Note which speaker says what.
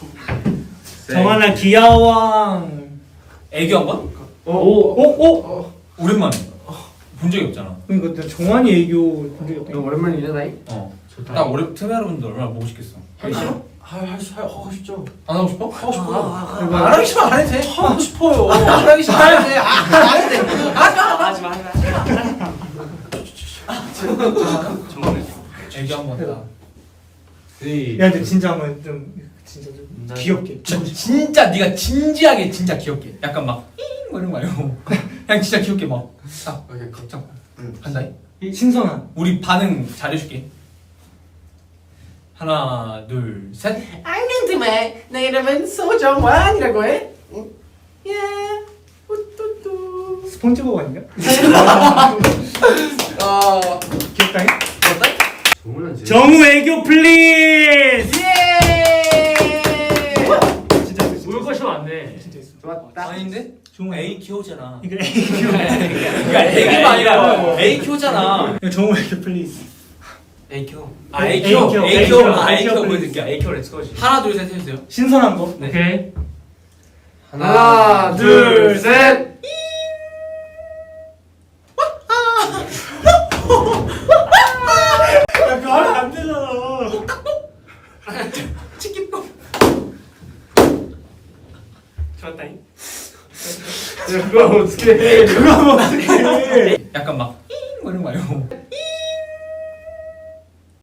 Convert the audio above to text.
Speaker 1: 정하나 귀여왕.
Speaker 2: 애교 한 번?
Speaker 1: 오.
Speaker 2: 오랜만에. 본 적이 없잖아.
Speaker 1: 그러니까 나 정한이 애교 본 적이 없다.
Speaker 3: 오랜만이잖아.
Speaker 2: 나 올해 틈에 여러분들 얼마나 보고 싶겠어.
Speaker 3: 하기 싫어? 하고 싶죠.
Speaker 2: 안 하고 싶어?
Speaker 3: 하고 싶어.
Speaker 1: 그리고
Speaker 3: 안 하기 싫으면 안 해도 돼.
Speaker 2: 하고 싶어요.
Speaker 3: 안 하기 싫으면 안 해도 돼. 안 해도 돼.
Speaker 4: 하지마.
Speaker 2: 애교 한 번. 다.
Speaker 1: 야 근데 진짜 한번 좀 진짜 좀 귀엽게.
Speaker 2: 진짜 네가 진지하게 진짜 귀엽게. 약간 막 뭐 이런 거 말고 그냥 진짜 귀엽게 막딱
Speaker 3: 오케이,
Speaker 2: 걱정. 한다.
Speaker 1: 신선한.
Speaker 2: 우리 반응 잘해줄게. 하나, 둘, 셋.
Speaker 3: 안경팀에 내 이름은 소정환이라고 해. 예. 우뚜뚜.
Speaker 1: 스폰지보브 아닌가? 귀엽다잉? 정우 애교 플리즈. 진짜 있어.
Speaker 4: 울 것이 많네.
Speaker 1: 진짜 있어.
Speaker 3: 좋았다.
Speaker 2: 아닌데?
Speaker 1: 정우
Speaker 2: A 키호잖아.
Speaker 1: 이거 애교.
Speaker 2: 그러니까 애교가 아니라 A 키호잖아.
Speaker 1: 이거 정우 애교 플리즈.
Speaker 4: A큐.
Speaker 2: 아 A
Speaker 1: A
Speaker 2: 키호.
Speaker 1: 키호.
Speaker 2: A
Speaker 1: A
Speaker 2: 키호.
Speaker 1: 키호.
Speaker 2: 아 A
Speaker 1: A
Speaker 2: 키호
Speaker 1: 키호
Speaker 2: 보여드릴게요. A 키호 렛츠고지. 하나, 둘, 셋 해주세요.
Speaker 1: 신선한 거.
Speaker 2: 네.
Speaker 4: 오케이.
Speaker 3: 하나, 둘, 셋.
Speaker 1: 야 그거 하면 안 되잖아.
Speaker 2: 치킨밥.
Speaker 4: 좋았다잉.
Speaker 3: 그거 어떻게 해?
Speaker 1: 그거 하면 어떡해.
Speaker 2: 약간 막 뭐 이런 거 말고